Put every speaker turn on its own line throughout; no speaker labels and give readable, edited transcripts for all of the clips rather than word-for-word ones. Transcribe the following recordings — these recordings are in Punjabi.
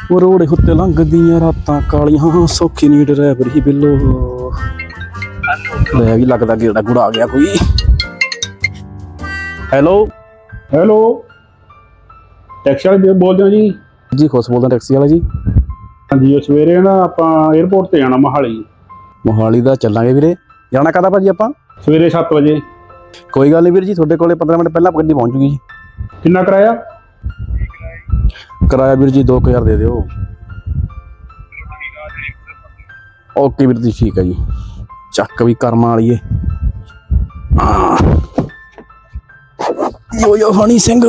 ਉਹ ਰੋੜੇ ਉੱਤੇ ਲੰਘਦੀਆਂ ਰਾਤਾਂ ਕਾਲੀਆਂ ਸੌਖੀ ਨੀ ਡਰਾਈਵਰ ਹੀ ਬਿੱਲੋ। ਲੈ ਵੀ ਲੱਗਦਾ ਗੇੜਾ ਗੁੜਾ ਆ ਗਿਆ ਕੋਈ। ਹੈਲੋ
ਹੈਲੋ, ਟੈਕਸੀ ਵਾਲੇ ਬੋਲਦੇ ਹੋ ਜੀ?
ਜੀ ਖੁਸ਼ ਬੋਲਦਾ ਟੈਕਸੀ ਵਾਲਾ ਜੀ।
ਹਾਂਜੀ, ਉਹ ਸਵੇਰੇ ਨਾ ਆਪਾਂ 에ਅਰਪੋਰਟ ਤੇ ਜਾਣਾ ਮੋਹਾਲੀ।
ਮੋਹਾਲੀ ਦਾ ਚੱਲਾਂਗੇ ਵੀਰੇ। ਜਾਣਾ ਕਦੋਂ ਭਾਜੀ ਆਪਾਂ?
ਸਵੇਰੇ 7 ਵਜੇ।
ਕੋਈ ਗੱਲ ਨਹੀਂ ਵੀਰ ਜੀ, ਤੁਹਾਡੇ ਕੋਲੇ 15 ਮਿੰਟ ਪਹਿਲਾਂ ਗੱਡੀ ਪਹੁੰਚ ਜੂਗੀ ਜੀ।
ਕਿੰਨਾ ਕਿਰਾਇਆ?
ਕਿਰਾਇਆ ਵੀਰ ਜੀ 2000 ਦੇ ਦਿਓ। ਓਕੇ ਵੀਰ ਜੀ, ਠੀਕ ਹੈ ਜੀ। ਚੱਕ ਵੀ ਕਰਮਾਂ ਵਾਲੀ ਏ। ਯੋ ਹਣੀ ਸਿੰਘ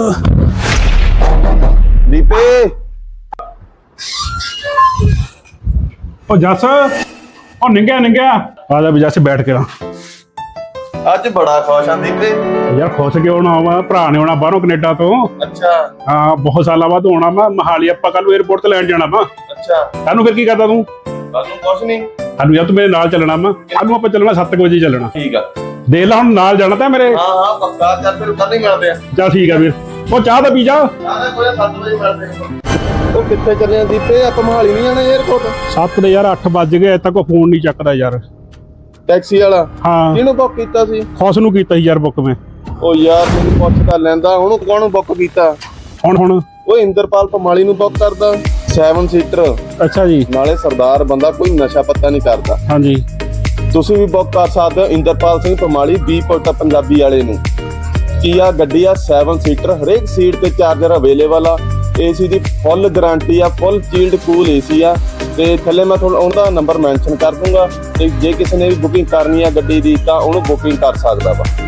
ਦੀਪੇ।
ਉਹ ਜੱਸ, ਉਹ ਨਿੰਗਿਆ ਆ ਜਾ ਵੀ ਜੱਸ ਬੈਠ ਕੇ ਨਾ।
ਅੱਜ ਬੜਾ ਖੁਸ਼ ਆਂ ਦੀਪੇ।
ਯਾਰ ਖੁਸ਼ ਕਿਉਂ ਨਾ ਹੋਵਾਂ, ਭਰਾ ਨੇ ਆਉਣਾ ਬਾਹਰੋਂ ਕੈਨੇਡਾ ਤੋਂ।
ਅੱਛਾ।
ਹਾਂ, ਬਹੁਤ ਸਾਲਾਂ ਬਾਅਦ ਆਉਣਾ ਵਾ ਮੋਹਾਲੀ। ਆਪਾਂ ਕੱਲ ਨੂੰ 에ਅਰਪੋਰਟ ਤੇ ਲੈਣ ਜਾਣਾ ਵਾ।
ਅੱਛਾ,
ਕੱਲ ਨੂੰ ਫਿਰ ਕੀ ਕਰਦਾ ਤੂੰ?
ਕੱਲ ਨੂੰ ਕੁਛ ਨਹੀਂ।
ਸਾਨੂੰ ਯਾਰ ਤੂੰ ਮੇਰੇ ਨਾਲ ਚੱਲਣਾ ਵਾ। ਕੱਲ ਨੂੰ ਆਪਾਂ ਚੱਲਣਾ 7 ਵਜੇ ਚੱਲਣਾ।
ਠੀਕ ਆ।
ਦੇਖ ਲੈ ਹੁਣ ਨਾਲ ਜਾਣਾ ਤਾਂ ਮੇਰੇ।
ਹਾਂ ਪੱਕਾ। ਚੱਲ ਫਿਰ ਕੱਲ ਹੀ ਮਿਲਦੇ ਆ।
ਚੱਲ ਠੀਕ ਆ ਵੀਰ। ਉਹ ਚਾਹ ਤਾਂ ਪੀ ਜਾ।
ਆਹ ਕੋਈ 7 ਵਜੇ ਮਿਲਦੇ ਆ। ਉਹ ਕਿੱਥੇ ਚੱਲੇ ਆ ਦੀਪੇ? ਆਪਾਂ ਮੋਹਾਲੀ ਨਹੀਂ ਜਾਣਾ 에ਅਰਪੋਰਟ?
7 ਦੇ ਯਾਰ 8 ਵੱਜ ਗਏ, ਅਜੇ ਤੱਕ ਫੋਨ ਨਹੀਂ ਚੱਕਦਾ ਯਾਰ।
ਟੈਕਸੀ ਵਾਲਾ
ਹਾਂ,
ਕਿਹਨੂੰ ਬੁੱਕ ਕੀਤਾ ਸੀ?
ਖੁਸ਼ ਨੂੰ ਕੀਤਾ ਸੀ ਯਾਰ ਬੁੱਕ ਮੈਂ।
ਉਹ ਯਾਰ ਤੈਨੂੰ ਪੁੱਛ ਤਾਂ ਲੈਂਦਾ, ਉਹਨੂੰ ਕੌਣ ਬੁੱਕ ਕੀਤਾ?
ਹੁਣ
ਉਹ ਇੰਦਰਪਾਲ ਪਮਾਲੀ ਨੂੰ ਬੁੱਕ ਕਰਦਾ 7 ਸੀਟਰ।
ਅੱਛਾ ਜੀ।
ਨਾਲੇ ਸਰਦਾਰ ਬੰਦਾ, ਕੋਈ ਨਸ਼ਾ ਪੱਤਾ ਨਹੀਂ ਕਰਦਾ।
ਹਾਂਜੀ,
ਤੁਸੀਂ ਵੀ ਬੁੱਕ ਕਰ ਸਕਦੇ ਹੋ ਇੰਦਰਪਾਲ ਸਿੰਘ ਪਮਾਲੀ, ਬੀਪੋਰਟ ਪੰਜਾਬੀ ਵਾਲੇ ਨੂੰ। ਕੀਆ ਗੱਡੀ ਆ 7 ਸੀਟਰ, ਹਰੇਕ ਸੀਟ ਤੇ ਚਾਰਜਰ ਅਵੇਲੇਬਲ ਆ। ਏਸੀ ਦੀ ਫੁੱਲ ਗਾਰੰਟੀ ਆ, ਫੁੱਲ ਚੀਲਡ ਕੂਲ ਏਸੀ ਆ। ਤੇ ਥੱਲੇ ਮੈਂ ਤੁਹਾਨੂੰ ਉਹਦਾ ਨੰਬਰ ਮੈਂਸ਼ਨ ਕਰ ਦੂੰਗਾ, ਤੇ ਜੇ ਕਿਸੇ ਨੇ ਵੀ ਬੁਕਿੰਗ ਕਰਨੀ ਆ ਗੱਡੀ ਦੀ ਤਾਂ ਉਹਨੂੰ ਬੁਕਿੰਗ ਕਰ ਸਕਦਾ ਵਾ।